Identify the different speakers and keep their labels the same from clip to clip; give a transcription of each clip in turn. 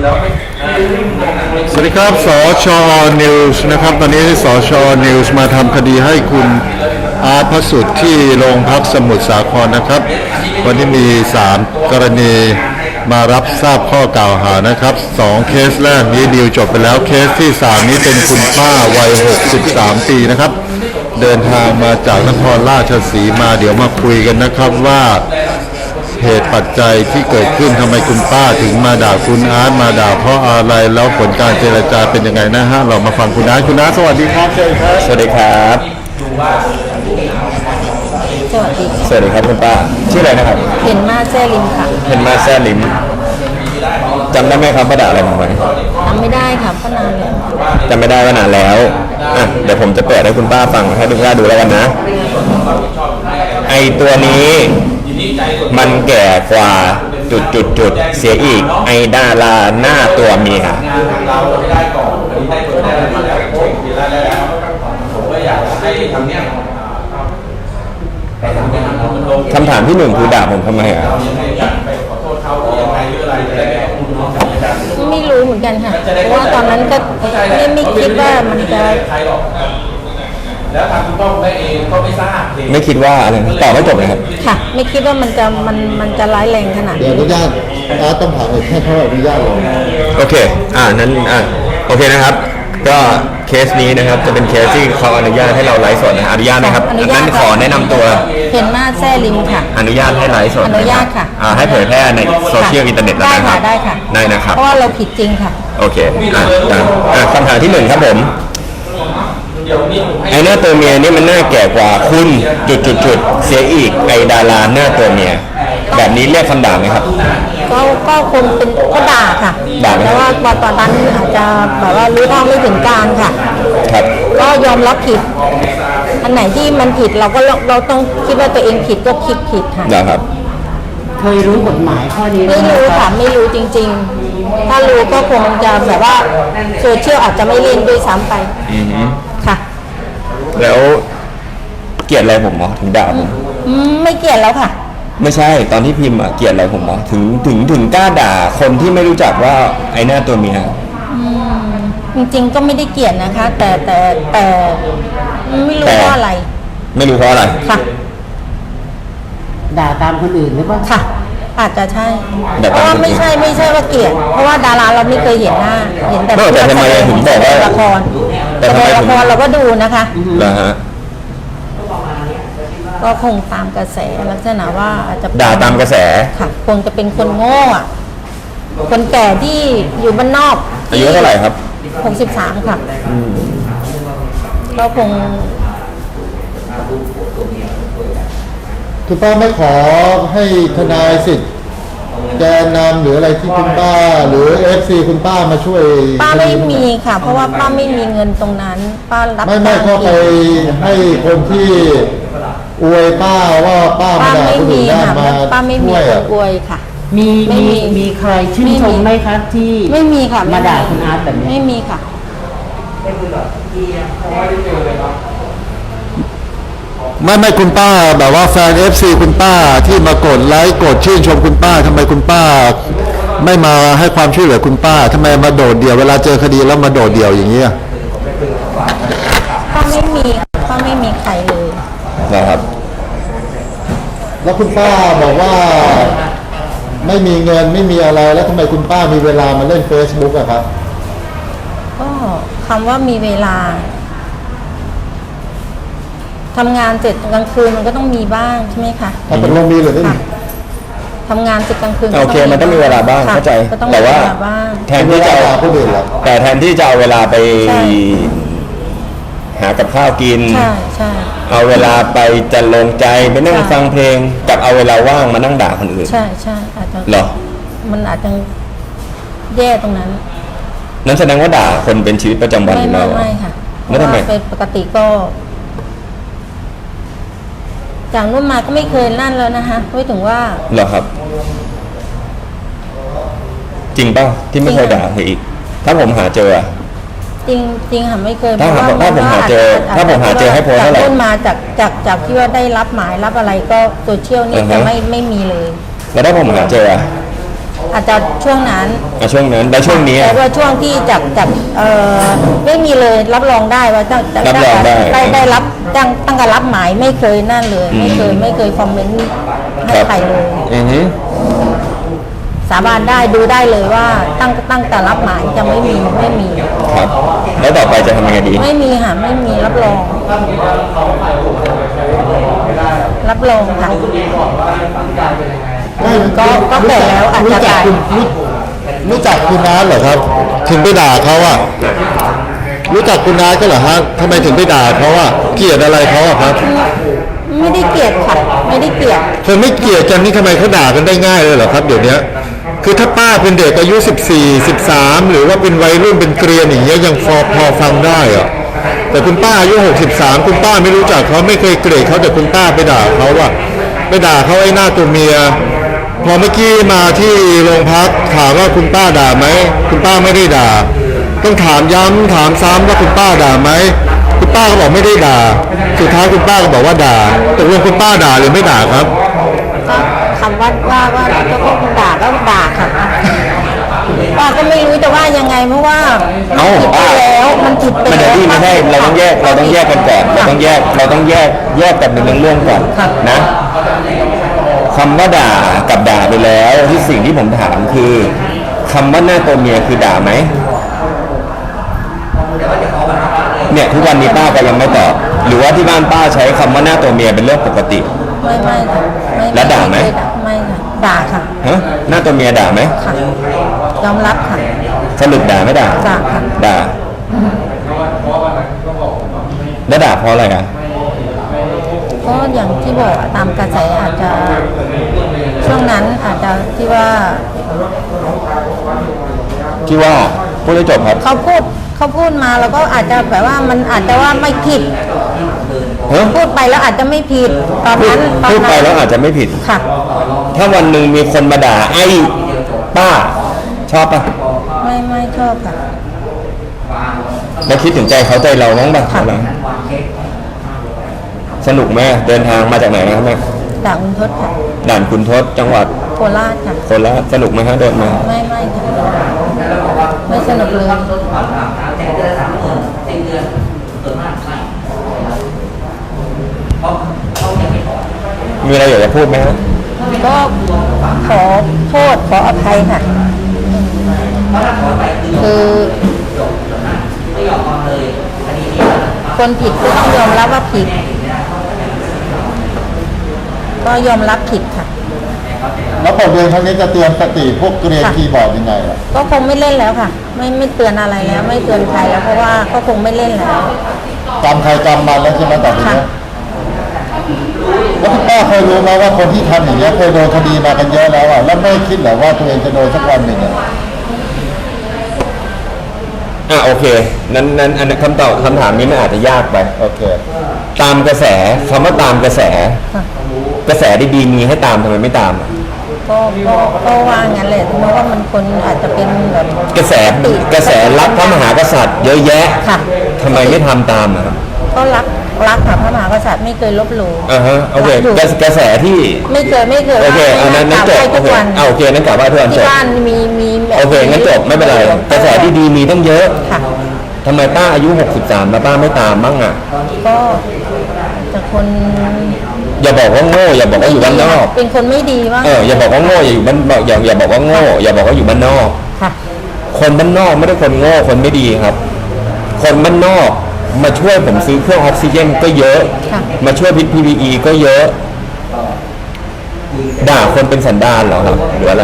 Speaker 1: สวัสดีครับสชนิวส์นะครับตอนนี้สชนิวส์มาทำคดีให้คุณอาร์ตพระสุทธิ์ที่โรงพักสมุทรสาครนะครับวันนี้มี3กรณีมารับทราบข้อกล่าวหานะครับ2เคสแรกนี้ดีลจบไปแล้วเคสที่3นี้เป็นคุณป้าวัย63ปีนะครับเดินทางมาจากนครราชสีมาเดี๋ยวมาคุยกันนะครับว่าเหตุปัจจัยที่เกิดขึ้นทำไมคุณป้าถึงมาด่าคุณอาร์ตมาด่าเพราะอะไรแล้วผลการเจรจาเป็นยังไงนะฮะเรามาฟังคุณอาร์ตสวัสดีครับเชิญครับ
Speaker 2: สวัสดีครับสวัสดีครับคุณป้าชื่ออะไรนะครับ
Speaker 3: เห็นมาแซ่ลิมค่ะ
Speaker 2: เห็นมาแซ่ลิมจำได้ไหมครับว่าด่าอะไรผมไป
Speaker 3: จำไม่ได้ค่ะก็นานแล้ว
Speaker 2: จำไม่ได้ว่านานแล้วอ่ะเดี๋ยวผมจะเปิดให้คุณป้าฟังให้คุณป้าดูแล้วกันนะไอตัวนี้มันแก่กว่าจุดเสียอีกไอดาราหน้าตัวเมียคำถามที่1คือด่าผมทำไมอ่ะ
Speaker 3: ไม่รู้เหมือนกันค่ะเพราะว่าตอนนั้นก็ไม่คิดว่ามันจะ
Speaker 4: แล้วทางคุณพ่อคุณแม่เองก็ไม่ทราบ
Speaker 2: ไม่คิดว่าอะไรตอบไม่จบเลยครับ
Speaker 3: ค่ะไม่คิดว่ามันจะร้ายแรงขนาด
Speaker 1: นี้อนุญาตต้องถามแค่เท่าอนุญาตเลย
Speaker 2: โอเคนั้นโอเคนะครับก็เคสนี้นะครับจะเป็นเคสที่เขาอนุญาตให้เราไลฟ์สดนะอนุญาตไหมครับงั้นขอแนะนำตัว
Speaker 3: เห็นมาแซ่ลิมค่ะ
Speaker 2: อนุญาตให้ไลฟ์สด
Speaker 3: อนุญาตค่ะ
Speaker 2: ให้เผยแพร่ในโซเชียลอินเทอร์เน็ตแล้วนะครับ
Speaker 3: ได้ค่ะ
Speaker 2: ได้นะครับ
Speaker 3: เพราะว่าเราผิดจริงค่ะ
Speaker 2: โอเคคำถามที่1ครับผมไอหน้าตัวเมียนี่มันหน้าแก่กว่าคุณจุดเสียอีกไอดาราหน้าตัวเมียแบบนี้เรียกคำด่าไหมครับ
Speaker 3: ก็คงเป็นก็ด่าค่ะแต่ว่าตอนนั้นอาจจะแบบว่ารู้เท่าไม่ถึงการค่ะ
Speaker 2: ครับ
Speaker 3: ก็ยอมรับผิดอันไหนที่มันผิดเราต้องคิดว่าตัวเองผิดก็คิดผิดค่ะ
Speaker 2: นะครับ
Speaker 5: เคยรู้กฎหมายข้อนี้
Speaker 3: ไม่รู้ค่ะไม่รู้จริงๆถ้ารู้ก็คงจะแบบว่าโซเชียลอาจจะไม่เล่นด้วยซ้ำไปค่ะ
Speaker 2: แล้วเกลียดอะไรผมเหรอถึงด่าผม
Speaker 3: ไม่เกลียดแล้วค่ะ
Speaker 2: ไม่ใช่ตอนที่พิมพ์เกลียดอะไรผมเหรอถึงกล้าด่าคนที่ไม่รู้จักว่าไอ้หน้าตัวเมีย
Speaker 3: จริงๆก็ไม่ได้เกลียดนะคะแต่ไม่รู้เพราะอะไร
Speaker 2: ไม่รู้เพราะอะไร
Speaker 3: ค่ะ
Speaker 5: ด่าตามคนอื่นหรือเปล่า
Speaker 3: ค่ะอาจจะใช่เพราะว่าไม่ใช่ว่าเกลียดเพราะว่าดาราเราไม่เคยเห็นหน้าเห็นแต่
Speaker 2: ทำไมถึงบอกว่า
Speaker 3: ละครแต่ละครเราก็ดูนะคะ
Speaker 2: นะฮะ
Speaker 3: ก็คงตามกระแสลักษณะว่าอาจจะ
Speaker 2: ด่าตามกระแส
Speaker 3: ค่ะคงจะเป็นคนโง่อะคนแก่ที่อยู่บ้านนอก
Speaker 2: อายุเท่าไหร่ครับ
Speaker 3: 63ค่ะก็คง
Speaker 1: คุณป้าไม่ขอให้ทนายสิทธิ์แกนนำหรืออะไรที่คุณป้าหรือFCคุณป้ามาช่วย
Speaker 3: ป้าไม่มีค่ะเพราะว่าป้าไม่มีเงินตรงนั้นป้ารับ
Speaker 1: ไม่ก็ไปให้คนที่อวยป้าว่าป้าไม่ได้คนอื่นได้มา
Speaker 3: ป้าไม่มีคนอวยค่ะ
Speaker 5: มีใครชื่นชมไหมคะที่
Speaker 3: ไม่มีค่ะ
Speaker 5: มาด่าคุณอาร์ตแบบนี้
Speaker 3: ไม่มีค่ะ
Speaker 1: ไม่คุณป้าแบบว่าแฟน FC คุณป้าที่มากดไลค์กดชื่นชมคุณป้าทำไมคุณป้าไม่มาให้ความช่วยเหลือคุณป้าทำไมมาโดดเดี่ยวเวลาเจอคดีแล้วมาโดดเดี่ยวอย่างเงี้ย
Speaker 3: ป้าไม่มีใครเลย
Speaker 2: นะครับ
Speaker 1: แล้วคุณป้าบอกว่าไม่มีเงินไม่มีอะไรแล้วทำไมคุณป้ามีเวลามาเล่น Facebook อะครับ
Speaker 3: ก็คำว่ามีเวลาทำงานเสร็จกลางคืนมันก็ต้องมีบ้างใช่ไหมคะ
Speaker 1: ถ้าเป็นลงมีหรือไม่มี
Speaker 3: ทำงานเสร็จกลางคืน
Speaker 2: โอเคมันต้องมีเวลาบ้างเข้าใจแต่ว่าแทนที่จะเอาเวลาไปหากับข้าวกิน
Speaker 3: ใช่
Speaker 2: เอาเวลาไปจัดลงใจไปนั่งฟังเพลงกับเอาเวลาว่างมานั่งด่าคนอื่น
Speaker 3: ใช่อาจจะ
Speaker 2: หรอ
Speaker 3: มันอาจจะแย่ตรงนั้น
Speaker 2: นั้นแสดงว่าด่าคนเป็นชีวิตประจำวันอยู่แล้ว
Speaker 3: ไม่ค่ะ
Speaker 2: ไม่ทำไม
Speaker 3: เป็นปกติก็จากนู้นมาก็ไม่เคยนั่นแล้วนะคะไม่ถึงว่า
Speaker 2: เหรอครับจริงป่ะที่ไม่เคยด่าใครอีกถ้าผมหาเจอ
Speaker 3: จริงค่ะไม่เคย
Speaker 2: ถ้าผมหาเจอให้โพสเท่าไหร่
Speaker 3: จากมาจากที่ว่าได้รับหมายรับอะไรก็โซเชียลนี่จะไม่มีเลย
Speaker 2: แล้วถ้าผมหาเจอ
Speaker 3: อาจจะช่วงนั้น
Speaker 2: ช่วงนั้นแล้วช่วงนี้
Speaker 3: แต่ว่าช่วงที่จากไม่มีเลยรับรองได้ว่าตั้ง
Speaker 2: รับรองได้
Speaker 3: ได้รับตั้งแต่รับหมายไม่เคยนั่นเลย ไม่เคยคอมเมนต์ให้ใครเลย
Speaker 2: อือฮึ
Speaker 3: สาบานได้ดูได้เลยว่าตั้งแต่รับหมายจะไม่มี
Speaker 2: ครับแล้วต่อไปจะทำยังไงดี
Speaker 3: ไม่มีค่ะไม่มีรับรองค่ะ ก็แก่แล้วอาจจะตาย
Speaker 1: รู้จักคุณน้าเหรอครับ ถึงไปด่าเขาอะรู้จักคุณน้าก็เหรอฮะทำไมถึงไปด่าเขาอะเกลียดอะไรเขาอะครับ
Speaker 3: ไม่ได้เกลียดค่ะไม่ได้เกลียด
Speaker 1: คนไม่เกลียดกันนี่ทำไมเขาด่ากันได้ง่ายเลยเหรอครับเดี๋ยวนี้คือถ้าป้าเป็นเด็กอายุ14 13หรือว่าเป็นวัยรุ่นเป็นเกรียนอย่างเงี้ยยังพอฟังได้อะแต่คุณป้าอายุ63คุณป้าไม่รู้จักเขาไม่เคยเกลียดเขาแต่คุณป้าไปด่าเขาอะไปด่าเขาไอ้หน้าตัวเมียพอเมื่อกี้มาที่โรงพักถามว่าคุณป้าด่าไหมคุณป้าไม่ได้ด่าต้องถามย้ำถามซ้ำว่าคุณป้าด่าไหมคุณป้าก็บอกไม่ได้ด่าสุดท้ายคุณป้าก็บอกว่าด่าตกลงคุณป้าด่าหรือไม่ด่าครับ
Speaker 3: ก็คำว่าก็คงด่าก็ด่าค่ะป้าก็ไม่รู้จะว่ายังไงเพราะว่ามันผิดไปแล้วมันผิดไป
Speaker 2: มัน
Speaker 3: แล้ว
Speaker 2: ที่ไม่ได้เราต้องแยกกันก่อนเราต้องแยกกันเป็นเรื่องๆก่อนนะคำว่าด่ากับด่าไปแล้วที่สิ่งที่ผมถามคือคำว่าหน้าตัวเมียคือด่าไหมเนี่ยทุกวันนี้ป้าก็ยังไม่ตอบหรือว่าที่บ้านป้าใช้คำว่าหน้าตัวเมียเป็นเรื่องปกติ
Speaker 3: ไม่ค่ะไม่
Speaker 2: แล้วด่าไหม
Speaker 3: ไม่ค่ะด่าค่ะ
Speaker 2: ฮะหน้าตัวเมียด่าไหม
Speaker 3: ค่ะยอมรับค่ะ
Speaker 2: สรุปด่าไม่ด่า
Speaker 3: ด่าค่ะ
Speaker 2: ด่าแล้วด่าเพราะอะไรอ่ะ
Speaker 3: ก็อย่างที่บอกตามกระแสอาจจะช่วงนั้นอาจจะที่ว่า
Speaker 2: พูดให้จบครับ
Speaker 3: เขาพูดมาแล้วก็อาจจะแบบว่ามันอาจจะว่าไม่ผิด
Speaker 2: ฮะ
Speaker 3: พูดไปแล้วอาจจะไม่ผิดตอนนั้น
Speaker 2: พูดไปแล้วอาจจะไม่ผิด
Speaker 3: ค่ะ
Speaker 2: ถ้าวันหนึ่งมีคนมาด่าไอ้ป้าชอบปะ
Speaker 3: ไม่ชอบค่ะ
Speaker 2: แล้วคิดถึงใจเขาใจเราบ้างปะ
Speaker 3: ค่ะ
Speaker 2: สนุกไหมเดินทางมาจากไหนนะครับแม่
Speaker 3: ด่าอุนทศค่ะ
Speaker 2: ด่านคุณทศจังหวัด
Speaker 3: โคราชค่ะ
Speaker 2: โคราชสนุกไหมฮะเดินมา
Speaker 3: ไม่ค่ะไม่สนุกเลย
Speaker 2: มีอะไรอยากจะพูดไหมฮะ
Speaker 3: ก็ขอโทษขออภัยค่ะคือคนผิดก็ต้องยอมรับว่าผิด ก็ยอมรับผิดค่ะ
Speaker 1: แล้วบทเรียนครั้งนี้จะเตือนสติพวกเกรียนคีย์บอร์ดยังไงล่ะ
Speaker 3: ก็คงไม่เล่นแล้วค่ะ ไม่เตือนอะไรแล้ว ไม่เตือนใครแล้วเพราะว่าก็คงไม่เล่นแล้ว
Speaker 1: จำใครจำมันแล้วใช่ไหมต่อไปนี้
Speaker 3: ค่ะ
Speaker 1: แล้วคุณป้าเคยรู้ไหมว่าคนที่ทำอย่างเงี้ยเคยโดนคดีมากันเยอะแล้วอ่ะแล้วไม่คิดเหรอว่าตัวเองจะโดนสักวันหนึ่งอ่ะ
Speaker 2: โอเคนั้นอันนั้นคำถามนี้มันอาจจะยากไป
Speaker 1: โอเค
Speaker 2: ตามกระแสคำว่าตามกระแส
Speaker 3: ค่ะ
Speaker 2: กระแสดีๆมีให้ตามทำไมไม่ตามอะ
Speaker 3: ก็ว่างั้นแหละเพราะว่ามันคนอาจจะเป็นแบบ
Speaker 2: กระแสรักพระมหากษัตริย์เยอะแยะ
Speaker 3: ค่ะ
Speaker 2: ทำไมไม่ทำตามอะครับ
Speaker 3: ก็รักค่ะพระมหากษัตริย์ไม่เคยลบหลู่
Speaker 2: โอเค
Speaker 3: รักอยู่
Speaker 2: กระแสที่
Speaker 3: ไม่เคย
Speaker 2: โอเคอันนั้นจบ
Speaker 3: ทุกวัน
Speaker 2: โอเคนั้นกลับว่าทุกวันจ
Speaker 3: ที่
Speaker 2: บ
Speaker 3: บ้านมีแบบ
Speaker 2: โอเคงั้นจบไม่เป็นไรกระแสดีๆมีตั้งเยอะ
Speaker 3: ค่ะ
Speaker 2: ทำไมป้าอายุ63แล้วป้าไม่ตามบ้างอ่ะ
Speaker 3: ก็แต่คน
Speaker 2: อย่าบอกว่าโง่อย่าบอกว่าอยู่บ้านนอก
Speaker 3: เป็นคนไม่ดีว่า
Speaker 2: อย่าบอกว่าโง่อย่าอยู่บ้านอย่าบอกว่าโง่อย่าบอกว่าอยู่บ้านนอก
Speaker 3: ค่ะ
Speaker 2: คนบ้านนอกไม่ได้คนโง่คนไม่ดีครับ คนบ้านนอกมาช่วยผมซื้อเครื่องออกซิเจนก็เยอะ
Speaker 3: ค่ะ
Speaker 2: มาช่วยพิษ PPE ก็เยอะ ด่าคนเป็นสันดานเหรอครับหรืออะไร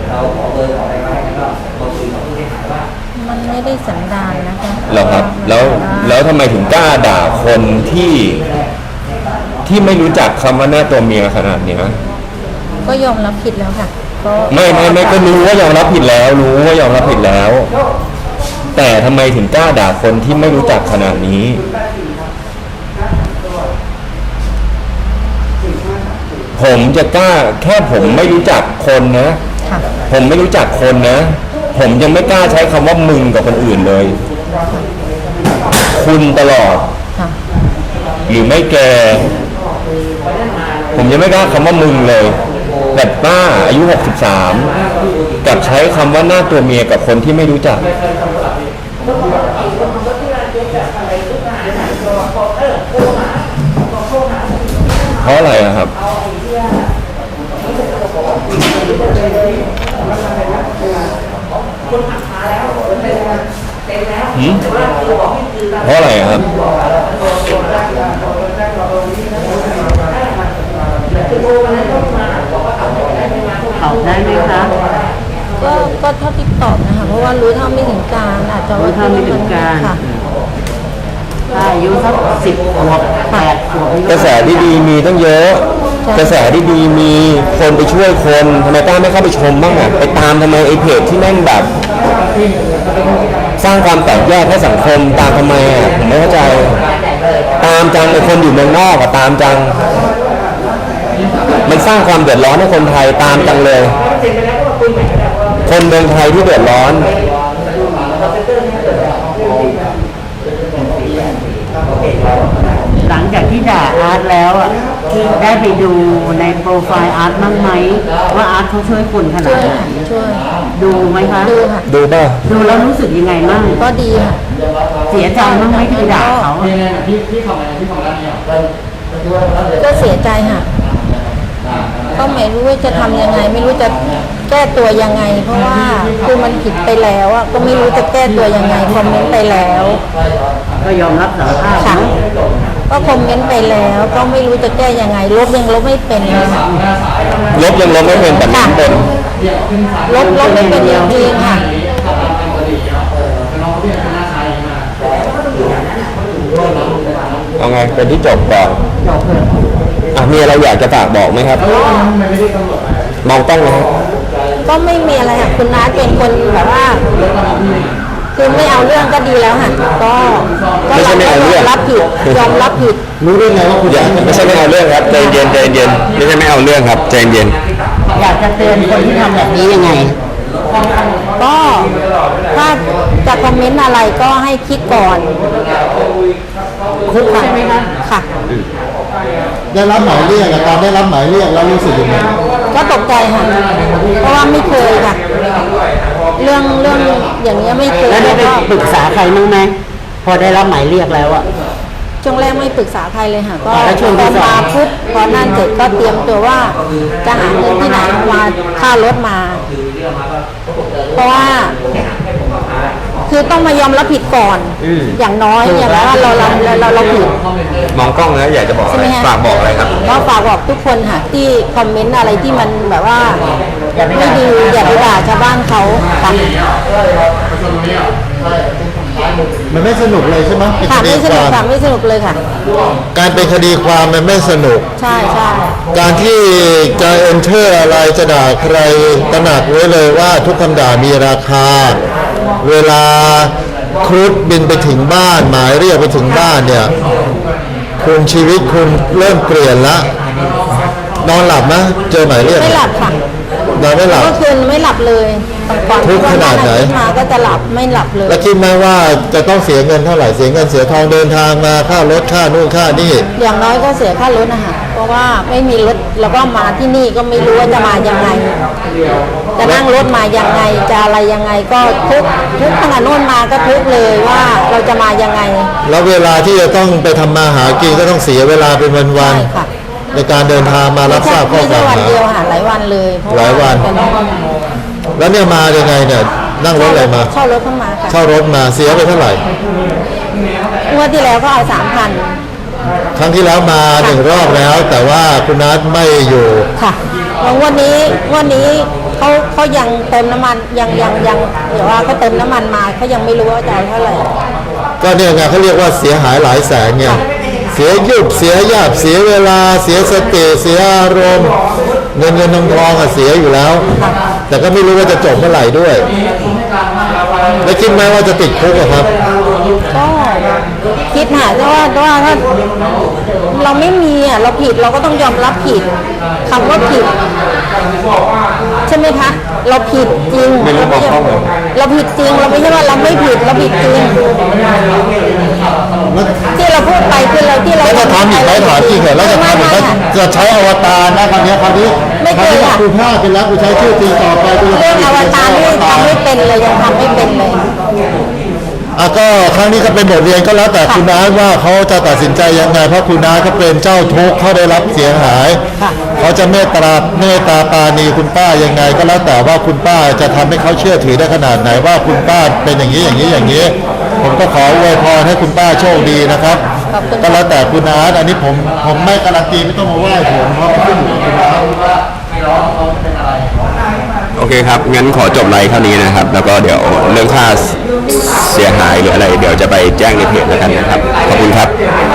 Speaker 3: มันไม่ได้สันดานนะคะ
Speaker 2: เหรอครับแล้วทำไมถึงกล้าด่าคนที่ไม่รู้จักคำว่าหน้าตัวเมียขนาดนี้
Speaker 3: ก็ยอมรับผิดแล้วค่ะก็
Speaker 2: ไม่ก็รู้ว่ายอมรับผิดแล้วรู้ว่ายอมรับผิดแล้ว แต่ทำไมถึงกล้าด่าคนที่ไม่รู้จักขนาดนี้ ผมจะกล้าแค่ผมไม่รู้จักคนนะ
Speaker 3: ค่ะ
Speaker 2: ผมไม่รู้จักคนนะ ผมยังไม่กล้าใช้คำว่ามึงกับคนอื่นเลย คุณตลอด
Speaker 3: ค่ะ
Speaker 2: หรือไม่แก ผมยังไม่กล้าคำว่ามึงเลยแต่ป้าอายุ63 กับใช้คำว่าหน้าตัวเมียกับคนที่ไม่รู้จักเพราะอะไรอะครับเพราะอะไรอะครับ
Speaker 5: ตอบได้ไหมคะ
Speaker 3: ก็เท่าที่ตอบนะคะเพราะว่ารู้เท่าไม่ถึงการอาจจะ
Speaker 5: รู้
Speaker 3: ว่า
Speaker 5: เท่าไม่ถึงการ
Speaker 3: ค่ะ
Speaker 5: อายุสัก10 ขวบ 8 ขวบนี่
Speaker 2: กระแสที่ดีมีตั้งเยอะ กระแสที่ดีมีคนไปช่วยคนทำไมป้าไม่เข้าไปชมบ้างอะไปตามทำไมไอ้เพจที่แม่งแบบ สร้างความแตกแยกให้สังคมตามทำไมอะผมไม่เข้าใจ ตามจังไอ้คนอยู่เมืองนอกอะตามจัง มันสร้างความเดือดร้อนให้คนไทยตามจังเลย คนเมืองไทยที่เดือดร้อน
Speaker 5: หลังจากที่ด่าอาร์ตแล้วอ่ะได้ไปดูในโปรไฟล์อาร์ตบ้างไหมว่าอาร์ตเขาช่วยคนขนา
Speaker 3: ช่
Speaker 5: ด
Speaker 3: วย
Speaker 5: ไหน
Speaker 3: ช่วย
Speaker 5: ดูไหมคะ
Speaker 3: ดูค่ะ
Speaker 2: ดูป่ะ
Speaker 5: ดูแล้วรู้สึกยังไงบ้าง
Speaker 3: ก็ดีค่ะ
Speaker 5: เสียใจบ้างไหมที่ไปด่าเขาอะ
Speaker 3: ก็เสียใจค่ะก็ไม่รู้ว่าจะทำยังไง ไม่รู้จะแก้ตัวยังไง เพราะว่าคือมันผิดไปแล้วอ่ะก็ไม่รู้จะแก้ตัวยังไงคอมเมนต์ไปแล้ว
Speaker 5: ก็ยอมรับสารภาพ
Speaker 3: ค่ะ
Speaker 5: เนอะ
Speaker 3: ก็คอมเมนต์ไปแล้ว ก็ไม่รู้จะแก้ยังไงลบยังลบไม่เป็นเลยค่ะ
Speaker 2: ลบยังลบไม่เป็นแต่เม้นเป็น
Speaker 3: ลบไม่เป็นจริงๆค่ะ
Speaker 2: เอาไงเป็นที่จบก่อนมีอะไรอยากจะฝากบอกไหมครับ มองต้องนะครับ
Speaker 3: ก็ไม่มีอะไรค่ะคุณนัทเป็นคนแบบว่า คือไม่เอาเรื่องก็ดีแล้วค่ะก็
Speaker 2: ไม่ใช่ไม่เอาเรื่อง
Speaker 3: รับผิดยอมรับผิด
Speaker 1: รู้ได้ไงว่าคุณ
Speaker 2: ไม่ใช่ไม่เอาเรื่องครับใจเย็นใจเย็นไม่ใช่ไม่เอาเรื่องครับใจเย็น
Speaker 5: อยากจะเตือนคนที่ทำแบบนี้ยังไง
Speaker 3: ก็ถ้าจะคอมเมนต์อะไรก็ให้คิดก่อนคุกใช่ไหมคะค่ะ
Speaker 1: ได้รับหมายเรียกตอนได้รับหมายเรียกแล้วรู้สึกยังไง
Speaker 3: ก็ตกใจค่ะ เพราะว่าไม่เคยค่ะ เรื่องอย่างเงี้ยไม่เคย
Speaker 5: แล้วได้
Speaker 3: แล้ว
Speaker 5: ไป
Speaker 3: ก็
Speaker 5: ปรึกษาใครบ้างไหมพอได้รับหมายเรียกแล้วอ่ะ
Speaker 3: ช่วงแรกไม่ปรึกษาใครเลยค่ะ ก็
Speaker 5: แล้วช่วง
Speaker 3: ต
Speaker 5: ที่
Speaker 3: อน
Speaker 5: สอง
Speaker 3: มาปุ๊บพอนั่นเสร็จก็เตรียมตัวว่าจะหาเงินที่ไหนมาค่ารถมา เพราะว่า คือต้องมายอมรับผิดก่อน อย่างน้อยอย่างน้อยว่าเราผิด
Speaker 2: มองกล้องนะอยากจะบอกอะไร
Speaker 3: ใช่ไหมฮะ
Speaker 2: ฝากบอกอะไรครับ
Speaker 3: ก็ฝากบอกทุกคนค่ะที่คอมเมนต์อะไรที่มันแบบว่าไม่ดีอย่าไปด่าชาวบ้านเขาค่ะ
Speaker 1: มันไม่สนุกเลยใช่ไหมเป็น
Speaker 3: ค่ะ
Speaker 1: คดี
Speaker 3: ไม่ส
Speaker 1: ค
Speaker 3: นุก
Speaker 1: วาม
Speaker 3: ค่ะไม่สนุกเลยค่ะ
Speaker 1: การเป็นคดีความมันไม่สนุก
Speaker 3: ใช่ใช่
Speaker 1: การที่จะเอนเตอร์อะไรจะด่าใครตระหนักไว้เลยว่าทุกคำด่ามีราคา เวลาครุฑบินไปถึงบ้านหมายเรียกไปถึงบ้านเนี่ยคุณชีวิตคุณเริ่มเปลี่ยนละนอนหลับนะเจอหมายเรียก
Speaker 3: ไม่หลับค่ะ
Speaker 1: นอนไม่หลับ
Speaker 3: เมื่อคืนไม่หลับเลยก่อน
Speaker 1: ทุกข์ขนาดไหน
Speaker 3: ที่มาก็จะหลับไม่หลับเลย
Speaker 1: แล้วคิดไหมว่าจะต้องเสียเงินเท่าไหร่เสียเงินเสียทองเดินทางมาค่ารถค่านู่นค่านี่
Speaker 3: อย่างน้อยก็เสียค่ารถนะคะเพราะว่าไม่มีรถแล้วก็มาที่นี่ก็ไม่รู้ว่าจะมายังไง จะนั่งรถมายังไงจะอะไรยังไงก็ทุกตั้งแต่โน่นมาก็ทุกเลยว่าเราจะมายังไง
Speaker 1: แล้วเวลาที่จะต้องไปทำมาหากินก็ต้องเสียเวลาเป็นวัน
Speaker 3: ใช่ค่ะ
Speaker 1: ๆในการเดินทางมารับทราบข้อ
Speaker 3: ไม่
Speaker 1: ก
Speaker 3: ใช่
Speaker 1: ล่าว
Speaker 3: วัน
Speaker 1: หา
Speaker 3: เดียวค่ะหลายวันเลยเพราะ
Speaker 1: หลายวัน
Speaker 3: เป็น
Speaker 1: แล้วเนี่ยมายังไงเนี่ยนั่งรถอะไรมา
Speaker 3: เช่ารถเข้ามาค่ะ
Speaker 1: เช่ารถมาเสียไปเท่าไหร่
Speaker 3: งวดที่แล้วก็เอา3,000
Speaker 1: ครั้งที่แล้วมาหนึ่งรอบแล้ว แต่ว่าคุณนัทไม่อยู่
Speaker 3: ค่ะแล้วงวันนี้เขายังเติมน้ำมันยังเดี๋ยวว่าเขาเติมน้ำมันมาเขายังไม่รู้ว่าจะเอาเท่าไหร่
Speaker 1: ก็เนี่ยไงเขาเรียกว่าเสียหายหลายแสนไงเสียยุบเสียญาติเสียเวลาเสียสติเสียอารมณ์เงินทองอะเสียอยู่แล้ว แต่ก็ไม่รู้ว่าจะจบเมื่อไหร่ด้วยแล้วคิดไหมว่าจะติดคุกอะครับ
Speaker 3: ก็คิดหาแต่ว่าถ้าเราไม่มีอ่ะเราผิดเราก็ต้องยอมรับผิดคำว่าผิดใช่ไหมคะเราผิดจริง
Speaker 2: ไม่รู้มองกล้องเลย
Speaker 3: เราผิดจริงเราไม่ใช่ว่าเราไม่ผิดเราผิดจริงที่เราพูดไปคือเราที่เรา
Speaker 1: แล้วจะทำอีกไหมถามจริงเหรอแล้วจะทำอีกไหมจะใช้อวตารนะคราวนี้กูพลาดไปแล้วกูใช้ชื่อจริงต่อไปกูจะ
Speaker 3: เรื่องอวตารนี่ทำไม่เป็นเลยยังทำไม่เป็นเลย
Speaker 1: ก็ครั้งนี้ก็เป็นบทเรียนก็แล้วแต่คุณน้าว่าเขาจะตัดสินใจยังไงเพราะคุณน้าเขาเป็นเจ้าทุกข์เขาได้รับเสียหายเขาจะเมตตาปราณีคุณป้ายังไงก็แล้วแต่ว่าคุณป้าจะทำให้เขาเชื่อถือได้ขนาดไหนว่าคุณป้าเป็นอย่างนี้ผมก็ขออวยพรให้คุณป้าโชคดีนะครับก็แล้วแต่คุณน้าอันนี้ผมไม่การันตีไม่ต้องมาไหว้ผมเพราะขึ้นอยู่กับคุณน้า
Speaker 2: โอเคครับ งั้นขอจบไลฟ์เท่านี้นะครับ แล้วก็เดี๋ยวเรื่องค่าเสียหายหรืออะไร เดี๋ยวจะไปแจ้งในเพจแล้วกันนะครับ ขอบคุณครับ